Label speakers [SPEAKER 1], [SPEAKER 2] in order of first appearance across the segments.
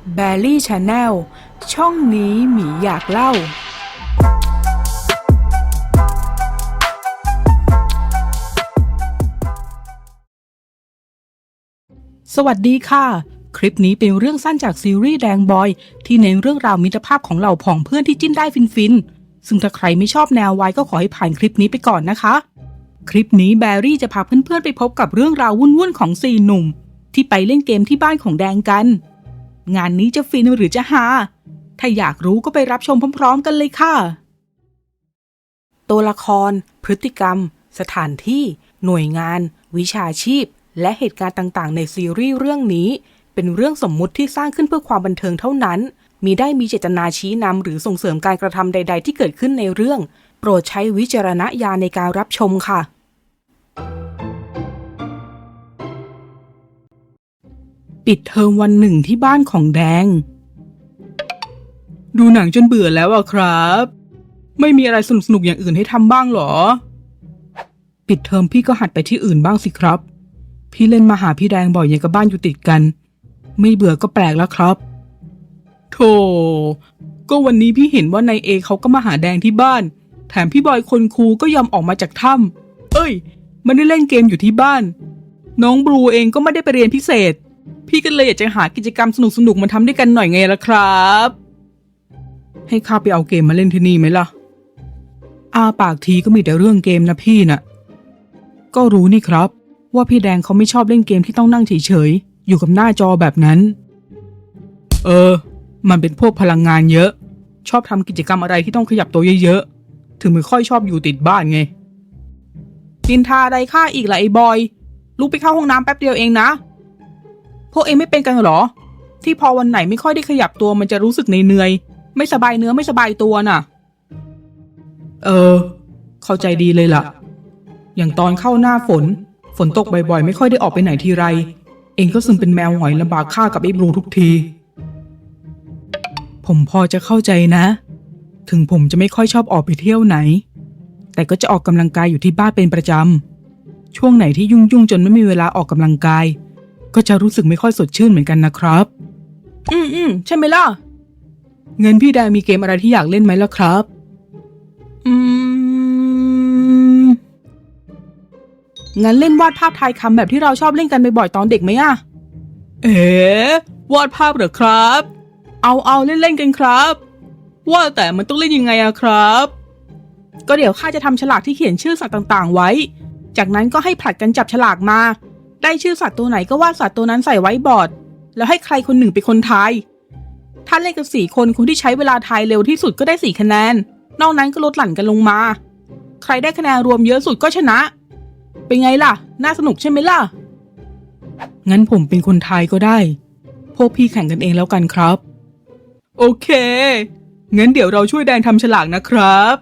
[SPEAKER 1] แบรี่ชาแนลช่องนี้หมีอยากเล่าสวัสดีค่ะคลิปนี้เป็นเรื่องสั้นจากซีรีส์แดงบอยที่เน้นเรื่องราวมิตรภาพของเหล่าผองเพื่อนที่จิ้นได้ฟินๆซึ่งถ้าใครไม่ชอบแนววายก็ขอให้ผ่านคลิปนี้ไปก่อนนะคะคลิปนี้แบรี่จะพาเพื่อนๆไปพบกับเรื่องราววุ่นๆของ4หนุ่มที่ไปเล่นเกมที่บ้านของแดงกันงานนี้จะฟินหรือจะฮาถ้าอยากรู้ก็ไปรับชมพร้อมๆกันเลยค่ะตัวละครพฤติกรรมสถานที่หน่วยงานวิชาชีพและเหตุการณ์ต่างๆในซีรีส์เรื่องนี้เป็นเรื่องสมมุติที่สร้างขึ้นเพื่อความบันเทิงเท่านั้นมิได้มีเจตนาชี้นำหรือส่งเสริมการกระทำใดๆที่เกิดขึ้นในเรื่องโปรดใช้วิจารณญาณในการรับชมค่ะปิดเทอมวันหนึ่งที่บ้านของแดงดูหนังจนเบื่อแล้วอะครับไม่มีอะไรสนุกๆอย่างอื่นให้ทำบ้างหรอปิดเทอมพี่ก็หัดไปที่อื่นบ้างสิครับพี่เล่นมาหาพี่แดงบ่อยอย่างกับบ้านอยู่ติดกันไม่เบื่อก็แปลกแล้วครับโธ่ก็วันนี้พี่เห็นว่านายเอเขาก็มาหาแดงที่บ้านแถมพี่บอยคนคูลก็ยอมออกมาจากถ้ำเอ้ยมันได้เล่นเกมอยู่ที่บ้านน้องบลูเองก็ไม่ได้ไปเรียนพิเศษพี่ก็เลยอยากจะหากิจกรรมสนุกๆมาทำด้วยกันหน่อยไงล่ะครับให้ข้าไปเอาเกมมาเล่นที่นี่ไหมล่ะปากทีก็มีแต่เรื่องเกมนะพี่น่ะก็รู้นี่ครับว่าพี่แดงเขาไม่ชอบเล่นเกมที่ต้องนั่งเฉยๆอยู่กับหน้าจอแบบนั้นมันเป็นพวกพลังงานเยอะชอบทำกิจกรรมอะไรที่ต้องขยับตัวเยอะๆถึงไม่ค่อยชอบอยู่ติดบ้านไงนินทาอะไรข้าอีกล่ะไอ้บอยลุกไปเข้าห้องน้ำแป๊บเดียวเองนะพวกเองไม่เป็นกันหรอที่พอวันไหนไม่ค่อยได้ขยับตัวมันจะรู้สึกเหนื่อยๆไม่สบายเนื้อไม่สบายตัวน่ะเข้าใจดีเลยล่ะอย่างตอนเข้าหน้าฝนตกบ่อยๆไม่ค่อยได้ออกไปไหนทีไรเองก็ซึมเป็นแมวหงอยลำบากข้ากับไอ้บลูทุกทีผมพอจะเข้าใจนะถึงผมจะไม่ค่อยชอบออกไปเที่ยวไหนแต่ก็จะออกกำลังกายอยู่ที่บ้านเป็นประจำช่วงไหนที่ยุ่งจนไม่มีเวลาออกกำลังกายก็จะรู้สึกไม่ค่อยสดชื่นเหมือนกันนะครับใช่ไหมล่ะเงินพี่แดงมีเกมอะไรที่อยากเล่นไหมล่ะครับงั้นเล่นวาดภาพทายคำแบบที่เราชอบเล่นกันบ่อยๆตอนเด็กไหมอะวาดภาพเหรอครับเอาเล่นกันครับว่าแต่มันต้องเล่นยังไงอะครับก็เดี๋ยวข้าจะทำฉลากที่เขียนชื่อสัตว์ต่างๆไว้จากนั้นก็ให้ผลัดกันจับฉลากมาได้ชื่อสัตว์ตัวไหนก็วาดสัตว์ตัวนั้นใส่ไว้บอร์ดแล้วให้ใครคนหนึ่งเป็นคนทายถ้าเล่นกัน4 คนคนที่ใช้เวลาทายเร็วที่สุดก็ได้4 คะแนนนอกนั้นก็ลดหลั่นกันลงมาใครได้คะแนนรวมเยอะสุดก็ชนะเป็นไงล่ะน่าสนุกใช่ไหมล่ะงั้นผมเป็นคนทายก็ได้พวกพี่แข่งกันเองแล้วกันครับโอเคงั้นเดี๋ยวเราช่วยแดงทำฉลากนะครับ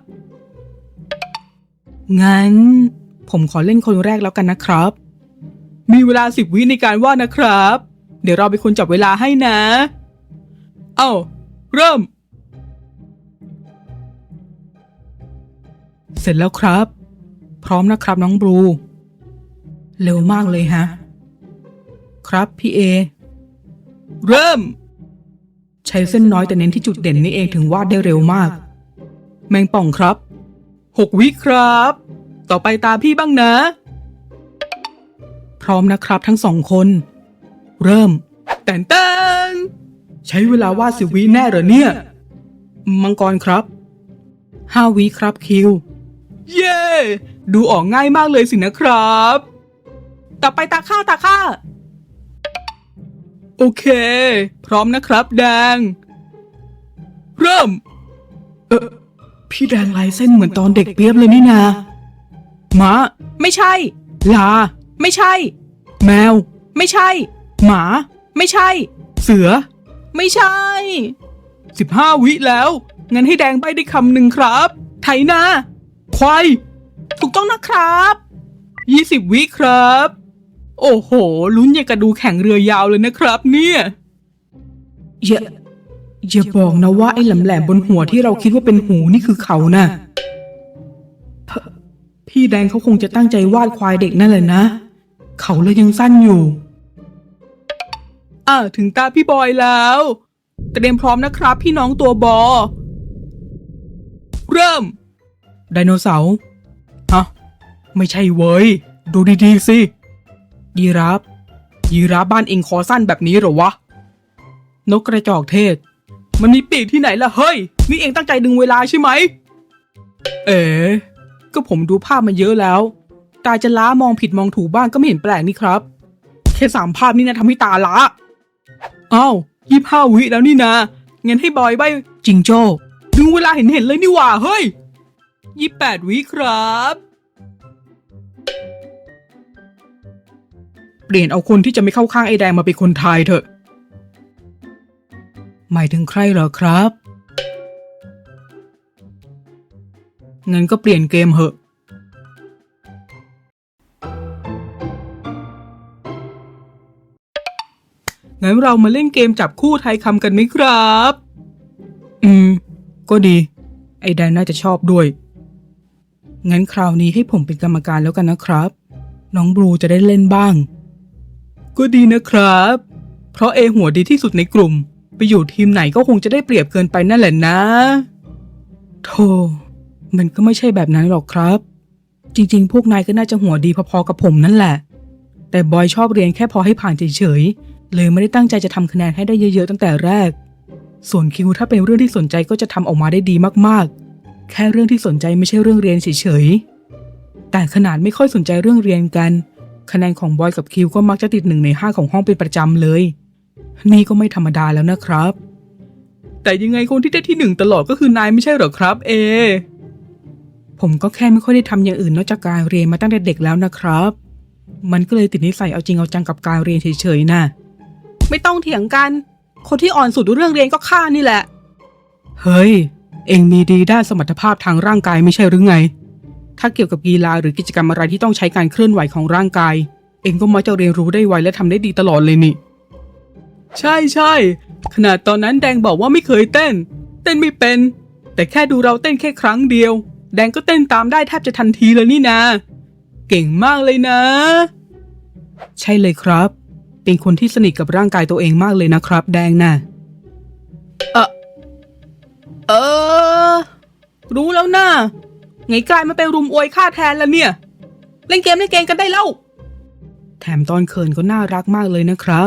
[SPEAKER 1] งั้นผมขอเล่นคนแรกแล้วกันนะครับมีเวลา10 วิในการวาดนะครับเดี๋ยวเราเป็นคนจับเวลาให้นะเริ่มเสร็จแล้วครับพร้อมนะครับน้องบลูเร็วมากเลยฮะครับพี่เอเริ่มใช้เส้นน้อยแต่เน้นที่จุดเด่นนี่เองถึงวาดได้เร็วมากแมงป่องครับ6 วิครับต่อไปตาพี่บ้างนะพร้อมนะครับทั้ง2 คนเริ่มแต่งใช้เวลาวาด10 วิแน่เหรอเนี่ยมังกรครับ5 วิครับคิวเย้ดูออกง่ายมากเลยสินะครับต่อไปตาข้าโอเคพร้อมนะครับแดงเริ่มพี่แดงลายเส้นเหมือนตอนเด็กเปียบเลยนี่นาม้าไม่ใช่ลาไม่ใช่แมวไม่ใช่หมาไม่ใช่เสือไม่ใช่15 วิแล้วงั้นให้แดงใบ้ได้คำหนึ่งครับไถนาควายถูกต้องนะครับ20 วิครับโอ้โหลุ้นอย่างกระดูแข่งเรือยาวเลยนะครับเนี่ยอย่าบอกนะว่าไอ้แหลมๆบนหัวที่เราคิดว่าเป็นหูนี่คือเขาน่ะพี่แดงเขาคงจะตั้งใจวาดควายเด็กนั่นแหละนะเขาเลยยังสั้นอยู่ถึงตาพี่บอยแล้วเตรียมพร้อมนะครับพี่น้องตัวบอเริ่มไดโนเสาร์ฮะไม่ใช่เว้ยดูดีๆสิยีราฟบ้านเองคอสั้นแบบนี้เหรอวะนกกระจอกเทศมันมีปีกที่ไหนล่ะเฮ้ยนี่เองตั้งใจดึงเวลาใช่ไหมก็ผมดูภาพมาเยอะแล้วตาจะล้ามองผิดมองถูกบ้างก็ไม่เห็นแปลกนี่ครับแค่3 ภาพนี่นะทำให้ตาล้าอ้าว25 วิแล้วนี่นะงั้นให้บอยใบจิงโจ้ดึงเวลาเห็นเลยนี่หว่าเฮ้ย28 วิครับเปลี่ยนเอาคนที่จะไม่เข้าข้างไอ้แดงมาเป็นคนทายเถอะหมายถึงใครเหรอครับงั้นก็เปลี่ยนเกมเหอะงั้นเรามาเล่นเกมจับคู่ทายคำกันไหมครับก็ดีไอ้แดงน่าจะชอบด้วยงั้นคราวนี้ให้ผมเป็นกรรมการแล้วกันนะครับน้องบลูจะได้เล่นบ้างก็ดีนะครับเพราะหัวดีที่สุดในกลุ่มไปอยู่ทีมไหนก็คงจะได้เปรียบเกินไปนั่นแหละนะโธ่มันก็ไม่ใช่แบบนั้นหรอกครับจริงๆพวกนายก็น่าจะหัวดีพอๆกับผมนั่นแหละแต่บอยชอบเรียนแค่พอให้ผ่านเฉยๆเลยไม่ได้ตั้งใจจะทำคะแนนให้ได้เยอะๆตั้งแต่แรกส่วนคิวถ้าเป็นเรื่องที่สนใจก็จะทำออกมาได้ดีมากๆแค่เรื่องที่สนใจไม่ใช่เรื่องเรียนเฉยๆแต่ขนาดไม่ค่อยสนใจเรื่องเรียนกันคะแนนของบอยกับคิวก็มักจะติด1 ใน 5ของห้องเป็นประจำเลยนี่ก็ไม่ธรรมดาแล้วนะครับแต่ยังไงคนที่ได้ที่1ตลอดก็คือนายไม่ใช่เหรอครับผมก็แค่ไม่ค่อยได้ทำอย่างอื่นนอกจากการเรียนมาตั้งแต่เด็กแล้วนะครับมันก็เลยติดนิสัยเอาจริงเอาจังกับการเรียนเฉยๆน่ะไม่ต้องเถียงกันคนที่อ่อนสุดเรื่องเรียนก็ข้านี่แหละเฮ้ยเอ็งมีดีด้านสมรรถภาพทางร่างกายไม่ใช่หรือไงถ้าเกี่ยวกับกีฬาหรือกิจกรรมอะไรที่ต้องใช้การเคลื่อนไหวของร่างกายเอ็งก็มักจะเรียนรู้ได้ไวและทำได้ดีตลอดเลยนี่ใช่ขนาดตอนนั้นแดงบอกว่าไม่เคยเต้นไม่เป็นแต่แค่ดูเราเต้นแค่ครั้งเดียวแดงก็เต้นตามได้แทบจะทันทีเลยนี่นะเก่งมากเลยนะใช่เลยครับเป็นคนที่สนิทกับร่างกายตัวเองมากเลยนะครับแดงน่ะรู้แล้วนะไงกลายมาเป็นรุมอวยข้าแทนแล้วเนี่ยเล่นเกมกันได้แล้วแถมตอนเขินก็น่ารักมากเลยนะครับ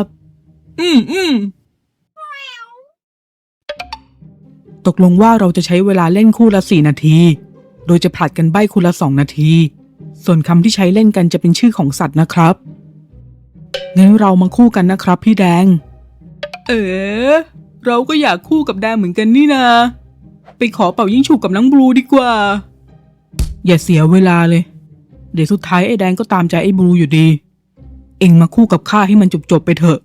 [SPEAKER 1] ตกลงว่าเราจะใช้เวลาเล่นคู่ละ4 นาทีโดยจะผลัดกันใบ้คู่ละ2 นาทีส่วนคำที่ใช้เล่นกันจะเป็นชื่อของสัตว์นะครับงั้นเรามาคู่กันนะครับพี่แดงเราก็อยากคู่กับแดงเหมือนกันนี่นาไปขอเป่ายิ่งฉุบกับน้องบลูดีกว่าอย่าเสียเวลาเลยเดี๋ยวสุดท้ายไอ้แดงก็ตามใจไอ้บลูอยู่ดีเอ็งมาคู่กับข้าให้มันจบไปเถอะ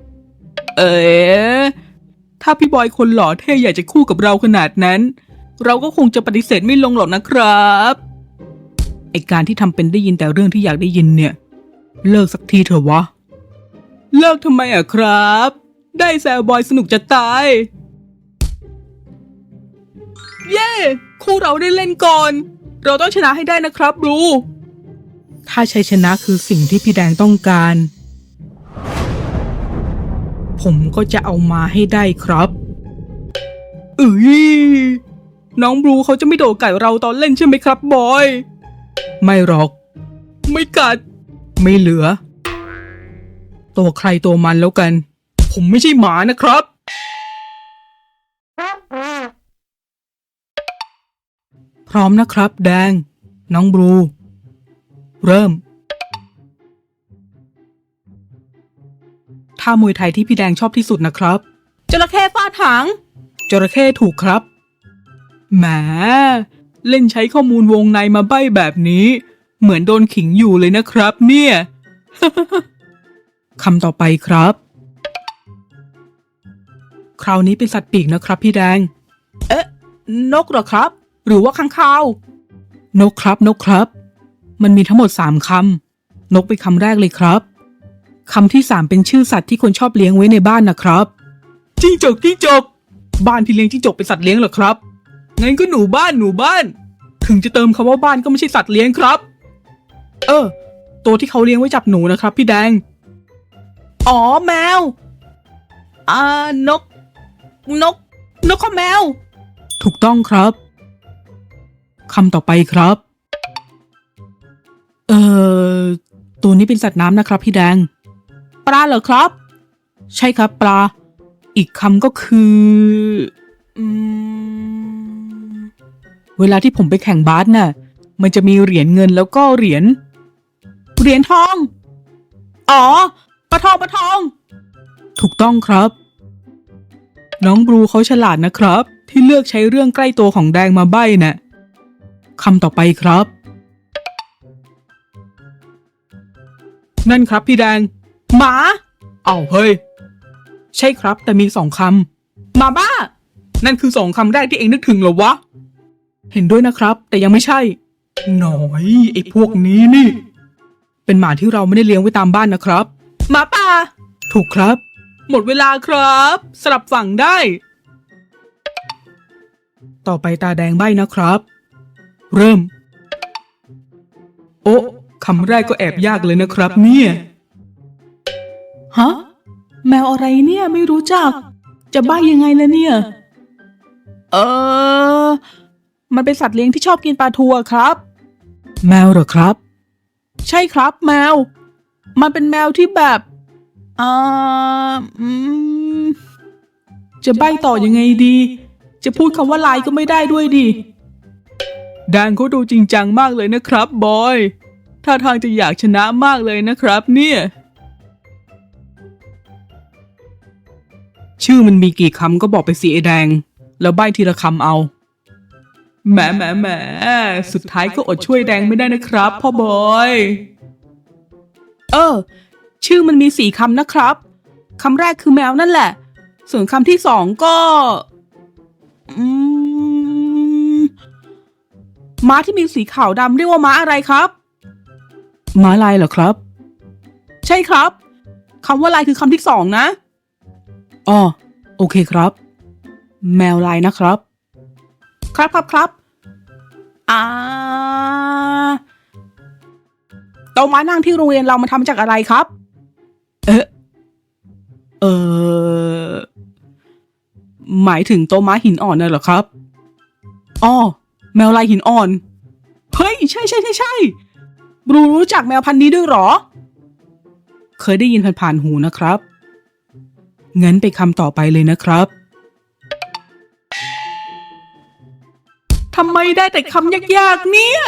[SPEAKER 1] ถ้าพี่บอยคนหล่อเท่อยากจะคู่กับเราขนาดนั้นเราก็คงจะปฏิเสธไม่ลงหรอกนะครับไอ้การที่ทำเป็นได้ยินแต่เรื่องที่อยากได้ยินเนี่ยเลิกสักทีเถอะวะเลิกทำไมอะครับได้แซวบอยสนุกจะตายเย้คู่เราได้เล่นก่อนเราต้องชนะให้ได้นะครับบลูถ้าชัยชนะคือสิ่งที่พี่แดงต้องการผมก็จะเอามาให้ได้ครับน้องบลูเขาจะไม่โดดกัดเราตอนเล่นใช่ไหมครับบอยไม่หรอกไม่กัดไม่เหลือตัวใครตัวมันแล้วกันผมไม่ใช่หมานะครับพร้อมนะครับแดงน้องบลูเริ่มท่ามวยไทยที่พี่แดงชอบที่สุดนะครับจระเข้ฟาดหางจระเข้ถูกครับแหมเล่นใช้ข้อมูลวงในมาใบ้แบบนี้เหมือนโดนขิงอยู่เลยนะครับเนี่ย คำต่อไปครับคราวนี้เป็นสัตว์ปีกนะครับพี่แดงนกเหรอครับหรือว่าค้างคาวนกครับมันมีทั้งหมด3 คำนกเป็นคำแรกเลยครับคำที่3เป็นชื่อสัตว์ที่คนชอบเลี้ยงไว้ในบ้านนะครับจิ้งจกบ้านที่เลี้ยงจิ้งจกเป็นสัตว์เลี้ยงเหรอครับงั้นก็หนูบ้านถึงจะเติมคำว่าบ้านก็ไม่ใช่สัตว์เลี้ยงครับตัวที่เขาเลี้ยงไว้จับหนูนะครับพี่แดงอ๋อแมวนกนกข้อแมวถูกต้องครับคำต่อไปครับตัวนี้เป็นสัตว์น้ำนะครับพี่แดงปลาเหรอครับใช่ครับปลาอีกคำก็คือเวลาที่ผมไปแข่งบาสน่ะมันจะมีเหรียญเงินแล้วก็เหรียญทองอ๋อปลาทองถูกต้องครับน้องบลูเขาฉลาดนะครับที่เลือกใช้เรื่องใกล้ตัวของแดงมาใบ้น่ะคำต่อไปครับนั่นครับพี่แดงหมาเฮ้ยใช่ครับแต่มี2 คำหมาบ้านั่นคือ2 คำแรกที่เองนึกถึงเหรอวะเห็นด้วยนะครับแต่ยังไม่ใช่หน่อยไอ้พวกนี้นี่เป็นหมาที่เราไม่ได้เลี้ยงไว้ตามบ้านนะครับหมาป่าถูกครับหมดเวลาครับสลับฝั่งได้ต่อไปตาแดงใบ้นะครับเริ่มโอ้คำแรกก็แอบยากเลยนะครับเนี่ยฮะแมวอะไรเนี่ยไม่รู้จักจะใบ้ยังไงล่ะเนี่ยมันเป็นสัตว์เลี้ยงที่ชอบกินปลาทูครับแมวเหรอครับใช่ครับแมวมันเป็นแมวที่แบบจะใบ้ต่อยังไงดีจะพูดคำว่าลายก็ไม่ได้ด้วยดิแดงเขาดูจริงจังมากเลยนะครับบอยท่าทางจะอยากชนะมากเลยนะครับเนี่ยชื่อมันมีกี่คำก็บอกไปสิไอ้แดงแล้วใบ้ทีละคำเอาแหมสุดท้ายก็อดช่วยแดงไม่ได้นะครับพ่อบอยชื่อมันมี4 คำนะครับคำแรกคือแมวนั่นแหละส่วนคำที่2ก็ม้าที่มีสีขาวดำเรียกว่าม้าอะไรครับม้าลายเหรอครับใช่ครับคำว่าลายคือคำที่2นะโอเคครับแมวลายนะครับครับโต๊ะม้านั่งที่โรงเรียนเรามาทำจากอะไรครับหมายถึงโต๊ะม้าหินอ่อนน่ะเหรอครับแมวลายหินอ่อนเฮ้ยใช่บรูรู้จักแมวพันธุ์นี้ด้วยหรอเคยได้ยินผ่านๆหูนะครับงั้นไปคำต่อไปเลยนะครับทำไมได้แต่คำยากๆเนี่ย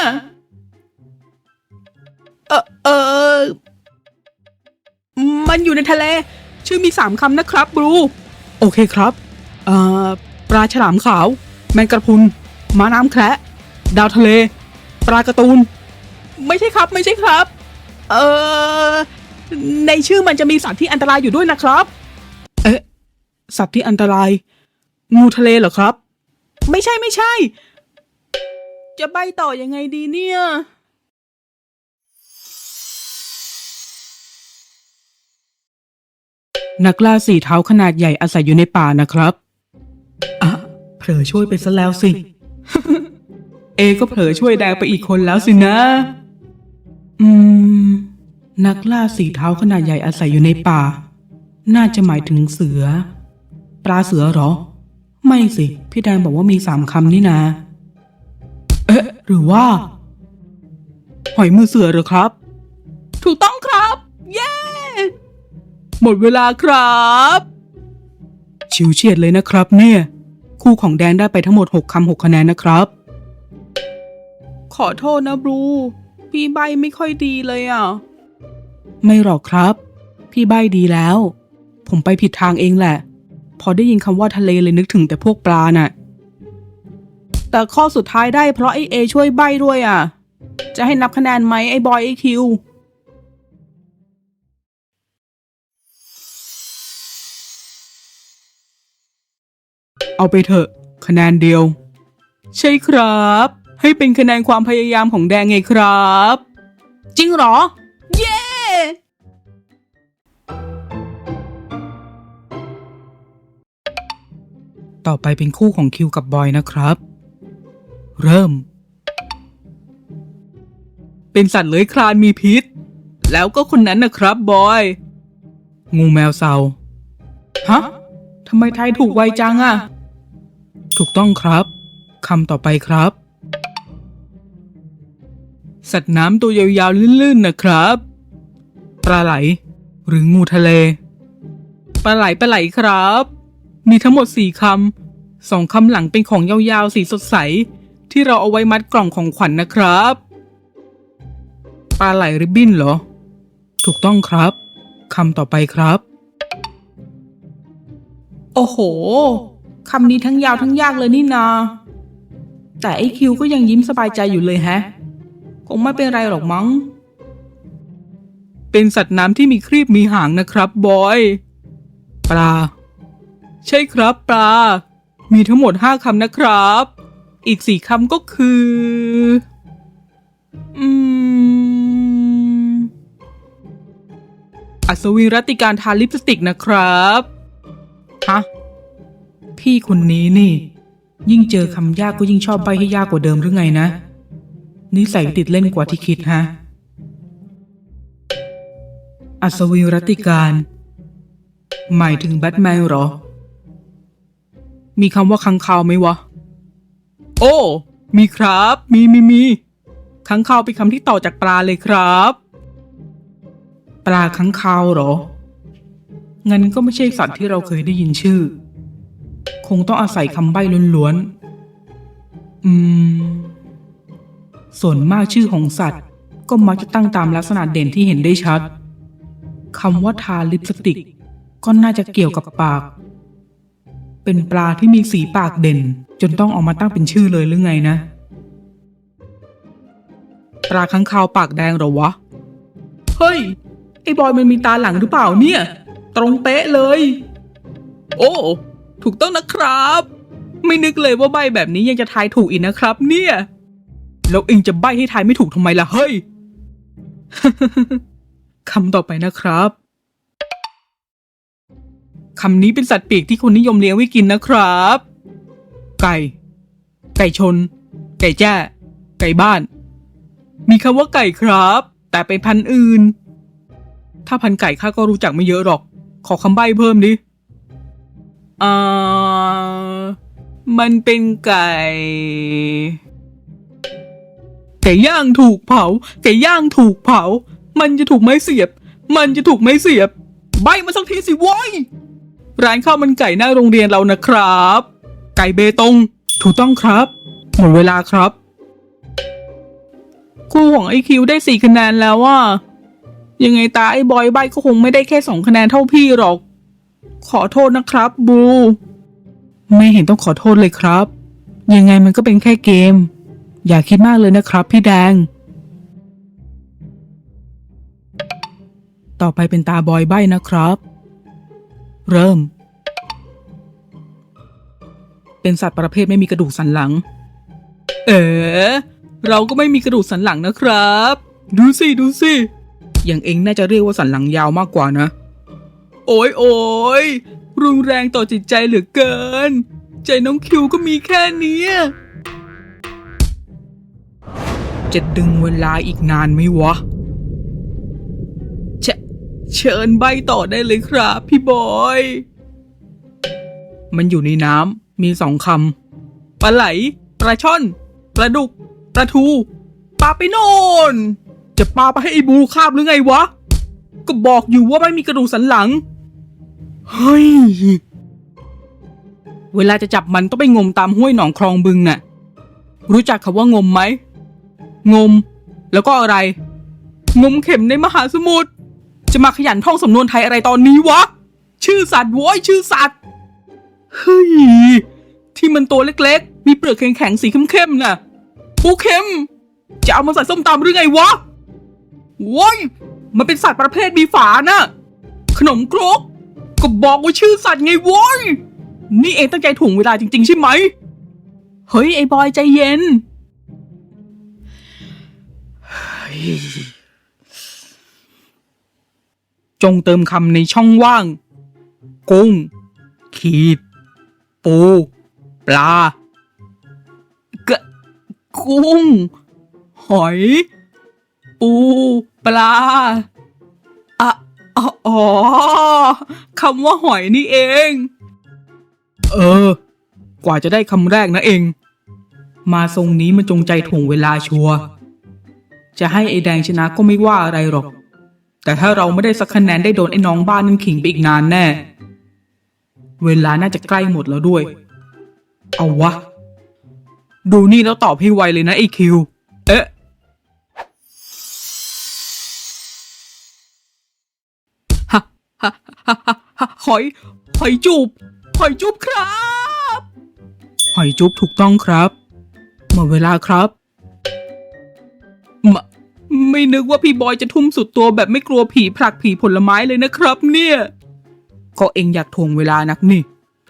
[SPEAKER 1] มันอยู่ในทะเลชื่อมี3 คำนะครับบรูโอเคครับปลาฉลามขาวแมงกระพรุนม้าน้ำแคระดาวทะเลปลาการ์ตูนไม่ใช่ครับในชื่อมันจะมีสัตว์ที่อันตรายอยู่ด้วยนะครับสัตว์ที่อันตรายงูทะเลเหรอครับไม่ใช่จะใบ้ต่อยังไงดีเนี่ยนักล่า4 เท้าขนาดใหญ่อาศัยอยู่ในป่านะครับเผลอช่วยไปซะแล้วสิ ก็เผลอช่วยแดงไปอีกคนแล้วสินะนักล่า4 เท้าขนาดใหญ่อาศัยอยู่ในป่าน่าจะหมายถึงเสือปลาเสือเหรอไม่สิพี่แดงบอกว่ามี3 คำนี่นะหรือว่าหอยมือเสือเหรอครับถูกต้องครับเย้หมดเวลาครับชิวเฉียดเลยนะครับเนี่ยคู่ของแดงได้ไปทั้งหมด6 คำ 6 คะแนนนะครับขอโทษนะบลูพี่ใบไม่ค่อยดีเลยไม่หรอกครับพี่ใบดีแล้วผมไปผิดทางเองแหละพอได้ยินคำว่าทะเลเลยนึกถึงแต่พวกปลาน่ะแต่ข้อสุดท้ายได้เพราะไอ้เอช่วยใบด้วยจะให้นับคะแนนไหมไอ้บอยไอ้คิวเอาไปเถอะคะแนนเดียวใช่ครับให้เป็นคะแนนความพยายามของแดงไงครับจริงเหรอเย้ต่อไปเป็นคู่ของคิวกับบอยนะครับเริ่มเป็นสัตว์เลื้อยคลานมีพิษแล้วก็คนนั้นนะครับบอยงูแมวเซาฮะทำไมทายถูกไวจังอะถูกต้องครับคำต่อไปครับ สัตว์น้ำตัวยาวๆลื่นๆนะครับปลาไหล หรืองูทะเลปลาไหลครับ มีทั้งหมด4 คำ 2 คำหลังเป็นของยาวๆสีสดใสที่เราเอาไว้มัดกล่องของขวัญนะครับปลาไหลริบบิ้นเหรอถูกต้องครับคำต่อไปครับโอ้โหคำนี้ทั้งยาวทั้งยากเลยนี่นาแต่ไอคิวก็ยังยิ้มสบายใจอยู่เลยแฮะคงไม่เป็นไรหรอกมั้งเป็นสัตว์น้ำที่มีครีบมีหางนะครับบอยปลาใช่ครับปลามีทั้งหมด5 คำนะครับอีก4 คำก็คืออัศวินรัตติการทาลิปสติกนะครับฮะพี่คนนี้นี่ยิ่งเจอคำยากก็ยิ่งชอบใบ้ให้ยากกว่าเดิมหรือไงนะนิสัยติดเล่นกว่าที่คิดฮะอัศวินรัตติการหมายถึงแบทแมนเหรอมีคำว่าค้างคาวไหมวะโอ้มีครับมีค้างคาวเป็นคำที่ต่อจากปลาเลยครับปลาค้างคาวเหรองั้นก็ไม่ใช่สัตว์ที่เราเคยได้ยินชื่อคงต้องอาศัยคำใบ้ล้วนๆส่วนมากชื่อของสัตว์ก็มักจะตั้งตามลักษณะเด่นที่เห็นได้ชัดคำว่าทาลิปสติกก็น่าจะเกี่ยวกับปากเป็นปลาที่มีสีปากเด่นจนต้องออกมาตั้งเป็นชื่อเลยหรือไงนะปลาค้างคาวปากแดงเหรอวะเฮ้ยไอ้บอยมันมีตาหลังหรือเปล่าเนี่ยตรงเป๊ะเลยโอ้ถูกต้องนะครับไม่นึกเลยว่าใบแบบนี้ยังจะทายถูกอีกนะครับเนี่ยแล้วเองจะใบให้ทายไม่ถูกทำไมล่ะเฮ้ย คำต่อไปนะครับคำนี้เป็นสัตว์ปีกที่คนนิยมเลี้ยงไว้กินนะครับไก่ชนไก่แจ้ไก่บ้านมีคำว่าไก่ครับแต่เป็นพันธุ์อื่นถ้าพันธุ์ไก่ข้าก็รู้จักไม่เยอะหรอกขอคำใบ้เพิ่มดิมันเป็นไก่ย่างถูกเผาไก่ย่างถูกเผามันจะถูกไม้เสียบใบ้มาสักทีสิโว้ยร้านข้าวมันไก่หน้าโรงเรียนเรานะครับไก่เบตงถูกต้องครับหมดเวลาครับคู่ของไอคิวได้4 คะแนนแล้วว่ายังไงตาไอ้บอยใบ้ก็คงไม่ได้แค่2 คะแนนเท่าพี่หรอกขอโทษนะครับบูไม่เห็นต้องขอโทษเลยครับยังไงมันก็เป็นแค่เกมอย่าคิดมากเลยนะครับพี่แดงต่อไปเป็นตาบอยใบ้นะครับเริ่มเป็นสัตว์ประเภทไม่มีกระดูกสันหลังเราก็ไม่มีกระดูกสันหลังนะครับดูสิอย่างเองน่าจะเรียกว่าสันหลังยาวมากกว่านะโอ้ยรุนแรงต่อจิตใจเหลือเกินใจน้องคิวก็มีแค่นี้จะดึงเวลาอีกนานไหมวะเชิญใบต่อได้เลยครับพี่บอยมันอยู่ในน้ำมี2 คำปลาไหลปลาช่อนปลาดุกปลาทูปลาไปโน่นจะปลาไปให้ไอ้บูคาบหรือไงวะก็บอกอยู่ว่าไม่มีกระดูกสันหลังเฮ้ยเวลาจะจับมันต้องไปงมตามห้วยหนองคลองบึงน่ะรู้จักคำว่างมไหมงมแล้วก็อะไรงมเข็มในมหาสมุทรจะมาขยันท่องสำนวนไทยอะไรตอนนี้วะชื่อสัตว์โว้ยชื่อสัตว์เฮ้ยที่มันตัวเล็กๆมีเปลือกแข็งๆสีเข้มๆน่ะปูเข็มจะเอามาใส่ส้มตำหรือไงวะโว้ยมันเป็นสัตว์ประเภทมีฝาน่ะขนมครกก็บอกว่าชื่อสัตว์ไงโว้ยนี่เองตั้งใจถ่วงเวลาจริงๆใช่ไหมเฮ้ยไอ้บอยใจเย็นจงเติมคำในช่องว่างกุ้งขีดปูปลากุ้งหอยปูปลาอ๋อคำว่าหอยนี่เองกว่าจะได้คำแรกนะเอง มาทรงนี้มันจงใจถ่วงเวลาชัวร์จะให้ไอ้แดงชนะก็ไม่ว่าอะไรหรอก แต่ถ้าเราไม่ได้สักคะแนนได้โดนไอ้น้องบ้านนั่นขิงไปอีกนานแน่ เวลาน่าจะใกล้หมดแล้วด้วย เอาวะ ดูนี่แล้วตอบให้ไวเลยนะไอ้คิว เอ๊ะฮะฮะฮะฮะหอยจูบครับหอยจูบถูกต้องครับหมดเวลาครับไม่นึกว่าพี่บอยจะทุ่มสุดตัวแบบไม่กลัวผีผลักผีผลไม้เลยนะครับเนี่ยก็เองอยากถ่วงเวลานักนี่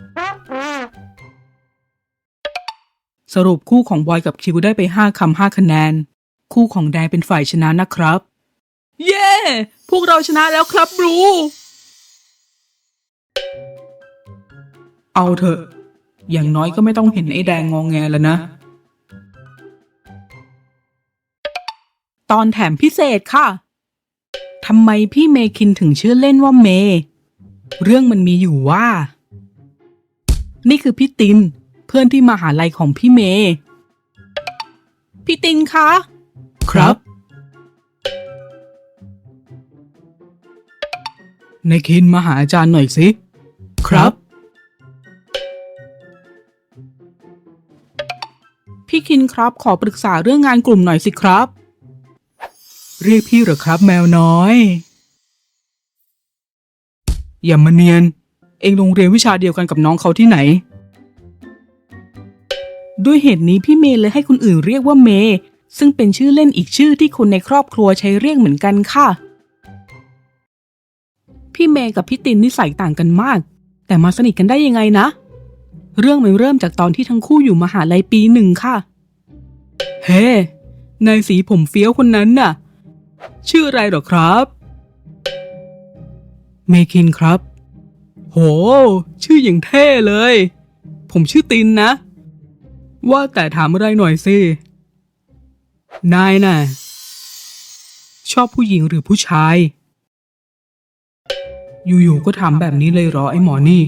[SPEAKER 1] สรุปคู่ของบอยกับคิวได้ไป5 คำ 5 คะแนนคู่ของแดงเป็นฝ่ายชนะนะครับเย้พวกเราชนะแล้วครับบรูเอาเถอะอย่างน้อยก็ไม่ต้องเห็นไอ้แดงงอแงแล้วนะตอนแถมพิเศษค่ะทำไมพี่เมคินถึงชื่อเล่นว่าเมเรื่องมันมีอยู่ว่านี่คือพี่ตินเพื่อนที่มหาลัยของพี่เมพี่ตินคะครับนายคินมาหาอาจารย์หน่อยสิครับพี่คินครับขอปรึกษาเรื่องงานกลุ่มหน่อยสิครับเรียกพี่เหรอครับแมวน้อยอย่ามาเนียนเองโรงเรียนวิชาเดียวกันกับน้องเขาที่ไหนด้วยเหตุนี้พี่เมย์เลยให้คนอื่นเรียกว่าเมย์ซึ่งเป็นชื่อเล่นอีกชื่อที่คนในครอบครัวใช้เรียกเหมือนกันค่ะพี่เมย์กับพี่ตินนิสัยต่างกันมากแต่มาสนิทกันได้ยังไงนะเรื่องมันเริ่มจากตอนที่ทั้งคู่อยู่มหาลัยปี 1ค่ะเฮ้นายสีผมเฟี้ยวคนนั้นน่ะชื่ออะไรหรอครับเมคินครับโหชื่ออย่างเท่เลยผมชื่อตินนะว่าแต่ถามอะไรหน่อยสินายน่ะชอบผู้หญิงหรือผู้ชายอยู่ๆก็ถามแบบนี้เลยเหรอไอ้หมอนี่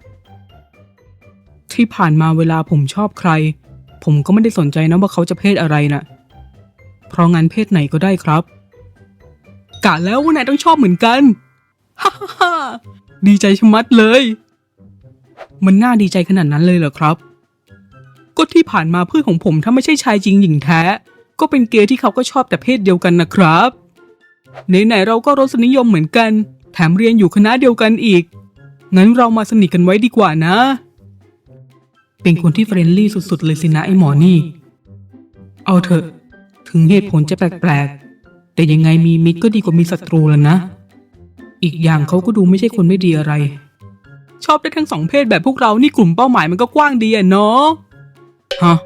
[SPEAKER 1] ที่ผ่านมาเวลาผมชอบใครผมก็ไม่ได้สนใจนะว่าเขาจะเพศอะไรน่ะเพราะงั้นเพศไหนก็ได้ครับกะแล้วว่านายต้องชอบเหมือนกันฮ่าฮ่าดีใจชะมัดเลยมันน่าดีใจขนาดนั้นเลยเหรอครับก็ที่ผ่านมาเพื่อนของผมถ้าไม่ใช่ชายจริงหญิงแท้ก็เป็นเกย์ที่เขาก็ชอบแต่เพศเดียวกันนะครับไหนๆเราก็รสนิยมเหมือนกันแถมเรียนอยู่คณะเดียวกันอีกงั้นเรามาสนิทกันไว้ดีกว่านะเป็นคนที่เฟรนลี่สุดๆเลยสินะไอ้หมอนี่เอาเถอะถึงเหตุผลจะแปลกๆแต่ยังไงมีมิตรก็ดีกว่ามีศัตรูแล้วนะอีกอย่างเขาก็ดูไม่ใช่คนไม่ดีอะไรชอบได้ทั้งสองเพศแบบพวกเรานี่กลุ่มเป้าหมายมันก็กว้างดีอะเนาะฮะ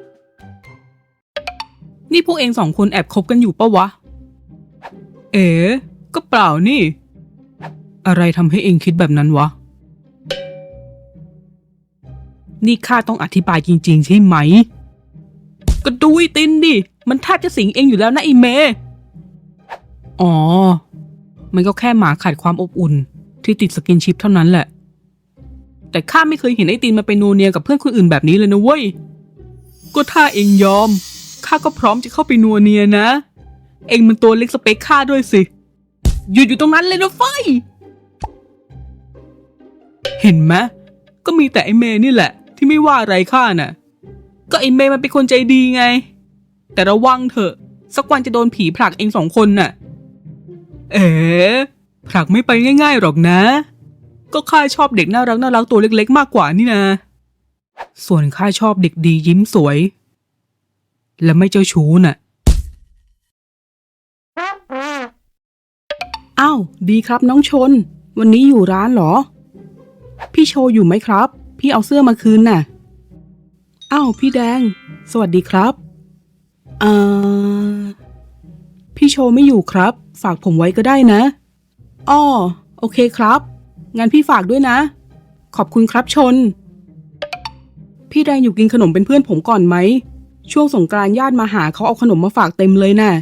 [SPEAKER 1] นี่พวกเอง2 คนแอบคบกันอยู่ปะวะก็เปล่านี่อะไรทำให้เองคิดแบบนั้นวะนี่ข้าต้องอธิบายจริงๆใช่ไหมก็ดูไอ้ตินดิมันแทบจะสิงเองอยู่แล้วนะไอ้เมอ๋อมันก็แค่หมาขาดความอบอุ่นที่ติดสกินชิปเท่านั้นแหละแต่ข้าไม่เคยเห็นไอ้ตินมาเป็นนัวเนียกับเพื่อนคนอื่นแบบนี้เลยนะเว้ยก็ถ้าเองยอมข้าก็พร้อมจะเข้าไปนัวเนียนะเองมันตัวเล็กสเปคข้าด้วยสิหยุดอยู่ตรงนั้นเลยนะไฟเห็นไหมก็มีแต่ไอ้เมย์นี่แหละที่ไม่ว่าอะไรข้าน่ะก็ไอ้เมย์มันเป็นคนใจดีไงแต่ระวังเถอะสักวันจะโดนผีผลักเอง2 คนน่ะผลักไม่ไปง่ายๆหรอกนะก็ข้าชอบเด็กน่ารักตัวเล็กๆมากกว่านี่นะส่วนข้าชอบเด็กดียิ้มสวยและไม่เจ้าชู้น่ะอ้าวดีครับน้องชนวันนี้อยู่ร้านเหรอพี่โชอยู่ไหมครับพี่เอาเสื้อมาคืนน่ะอ้าวพี่แดงสวัสดีครับพี่โชไม่อยู่ครับฝากผมไว้ก็ได้นะอ้อโอเคครับงั้นพี่ฝากด้วยนะขอบคุณครับชนพี่แดงอยู่กินขนมเป็นเพื่อนผมก่อนไหมช่วงสงกรานต์ญาติมาหาเขาเอาขนมมาฝากเต็มเลยน่ะ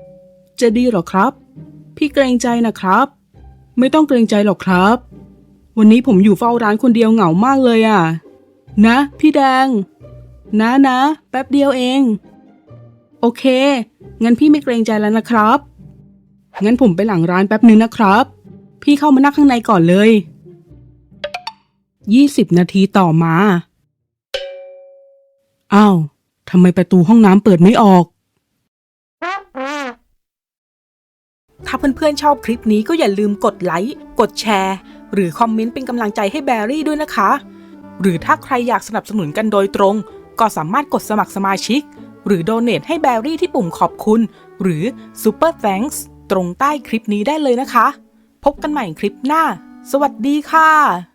[SPEAKER 1] จะดีหรอครับพี่เกรงใจนะครับไม่ต้องเกรงใจหรอกครับวันนี้ผมอยู่เฝ้าร้านคนเดียวเหงามากเลยอ่ะ นะพี่แดง นะแป๊บเดียวเอง โอเค งั้นพี่ไม่เกรงใจแล้วนะครับ งั้นผมไปหลังร้านแป๊บนึงนะครับ พี่เข้ามานั่งข้างในก่อนเลย 20 นาทีต่อมา อ้าวทำไมประตูห้องน้ำเปิดไม่ออก ถ้าเพื่อนๆชอบคลิปนี้ก็อย่าลืมกดไลค์ กดแชร์ หรือคอมเมนต์เป็นกำลังใจให้แบรี่ด้วยนะคะ หรือถ้าใครอยากสนับสนุนกันโดยตรง ก็สามารถกดสมัครสมาชิก หรือโดเนทให้แบรี่ที่ปุ่มขอบคุณ หรือ Super Thanks ตรงใต้คลิปนี้ได้เลยนะคะ พบกันใหม่คลิปหน้า สวัสดีค่ะ